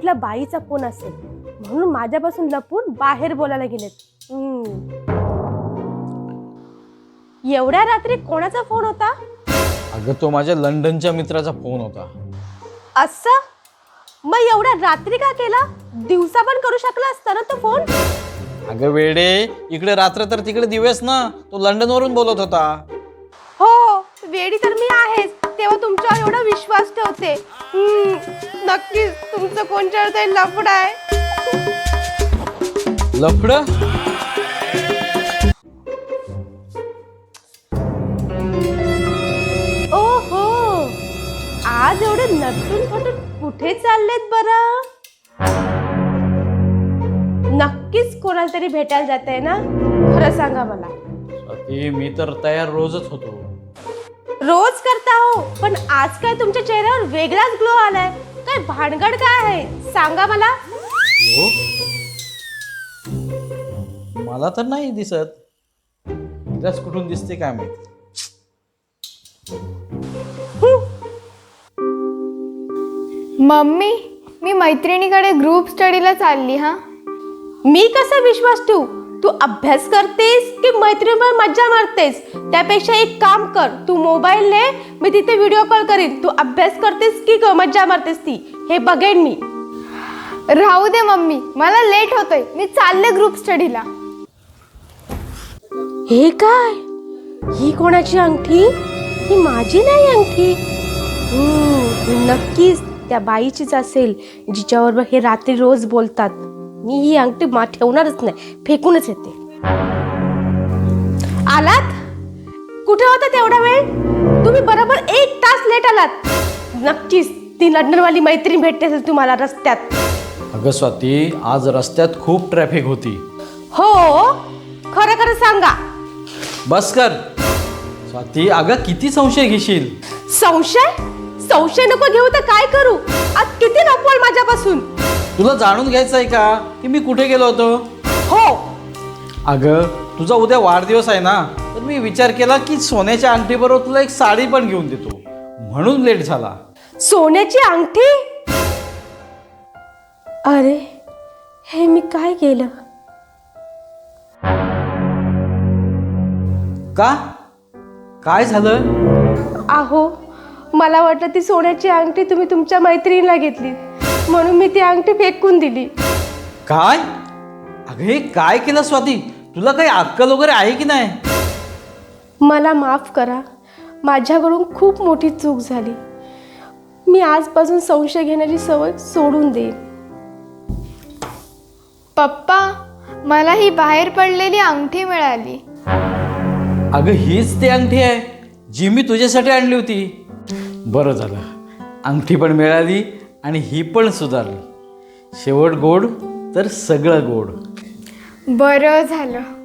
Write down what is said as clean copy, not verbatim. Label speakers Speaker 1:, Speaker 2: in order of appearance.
Speaker 1: कुठल्या बाईचा फोन असेल म्हणून माझ्यापासून लपून बाहेर बोलायला गेलेत. एवढ्या रात्री कोणाचा फोन होता?
Speaker 2: अगं तो माझ्या लंडनच्या मित्राचा फोन होता.
Speaker 1: असं? मग एवढ्या रात्री का केला? दिवसा पण करू शकला असता ना तो फोन.
Speaker 2: अगं वेडे, इकडे रात्र तर तिकडे दिवस ना. तो लंडन वरून बोलत होता.
Speaker 1: हो, वेडी तर मी आहेच, तेव्हा तुमच्यावर एवढा विश्वास ठेवते. नक्कीच तुमचं कोणत्या तरी लफडं आहे.
Speaker 2: लफडं?
Speaker 1: ओहो, आज एवढे नटून फटून कुठे चाललेत बरं? नक्कीच कोणाला तरी भेटायला जात आहे ना? खरं सांगा मला.
Speaker 2: स्वाती, मी तर तयार रोजच होतो.
Speaker 1: रोज करता हो, पण आज काय तुमच्या चेहऱ्यावर वेगळाच ग्लो आलाय. काय भानगड काय आहे सांगा मला.
Speaker 2: हो? मला तर नाही दिसत. तिलाच कुठून दिसते काय माहिती.
Speaker 3: मम्मी, मी मैत्रिणीकडे ग्रुप स्टडीला चालली. हा,
Speaker 1: मी कसा विश्वास ठेवू? तू अभ्यास करतेस की मैत्रिणीवर मज्जा मारतेस? त्यापेक्षा एक काम कर, तू मोबाईल ने, मी तिथे व्हिडिओ कॉल करीन. तू अभ्यास करतेस की मज्जा मारतेस ती हे बघेन मी.
Speaker 3: राहू दे मम्मी, मला लेट होतोय. मी चालले ग्रुप स्टडीला.
Speaker 1: हे काय? ही कोणाची अंगठी? ही माझी नाही अंगठी. ही नक्कीच त्या बाईचीच असेल जिच्यावर हे रात्री रोज बोलतात. मी ही अंगठी ठेवणारच नाही, फेकूनच येते. आलात? कुठे होता तेवढा वेळ? तुम्ही बरोबर 1 तास लेट आलात. नक्कीच ती लंडनवाली मैत्रीण भेटते असेल तुम्हाला रस्त्यात.
Speaker 2: अगं स्वाती, आज रस्त्यात खूप ट्रॅफिक होती.
Speaker 1: हो, खरं खरं सांगा.
Speaker 2: बस कर स्वाती. अगं किती संशय घेशील?
Speaker 1: संशय नको घेऊ तर काय करू? आज किती लपवाल माझ्यापासून?
Speaker 2: तुला जाणून घ्यायचं आहे का की मी कुठे गेलो होतो?
Speaker 1: हो.
Speaker 2: अगं तुझा उद्या वाढदिवस आहे ना, तर मी विचार केला की सोन्याच्या अंगठीबरोबर तुला एक साडी पण घेऊन देतो, म्हणून लेट झाला.
Speaker 1: सोन्याची अंगठी? अरे, हे मी काय केलं?
Speaker 2: का? काय झालं?
Speaker 1: आहो, मला वाटलं ती सोन्याची अंगठी तुम्ही तुमच्या मैत्रिणीला घेतली, म्हणून मी ती अंगठी फेकून दिली.
Speaker 2: काय? अगं हे काय केलं स्वाती? तुला काही अक्कल वगैरे आहे की नाही?
Speaker 1: मला माफ करा, माझ्याकडून खूप मोठी चूक झाली. मी आजपासून संशय घेण्याची सवय सोडून देईन.
Speaker 3: पप्पा, मला ही बाहेर पडलेली अंगठी मिळाली.
Speaker 2: अगं हीच ती अंगठी आहे जी मी तुझ्यासाठी आणली होती. बरं झालं, अंगठी पण मिळाली आणि ही पण सुधारली. शेवट गोड तर सगळं गोड.
Speaker 3: बरं झालं.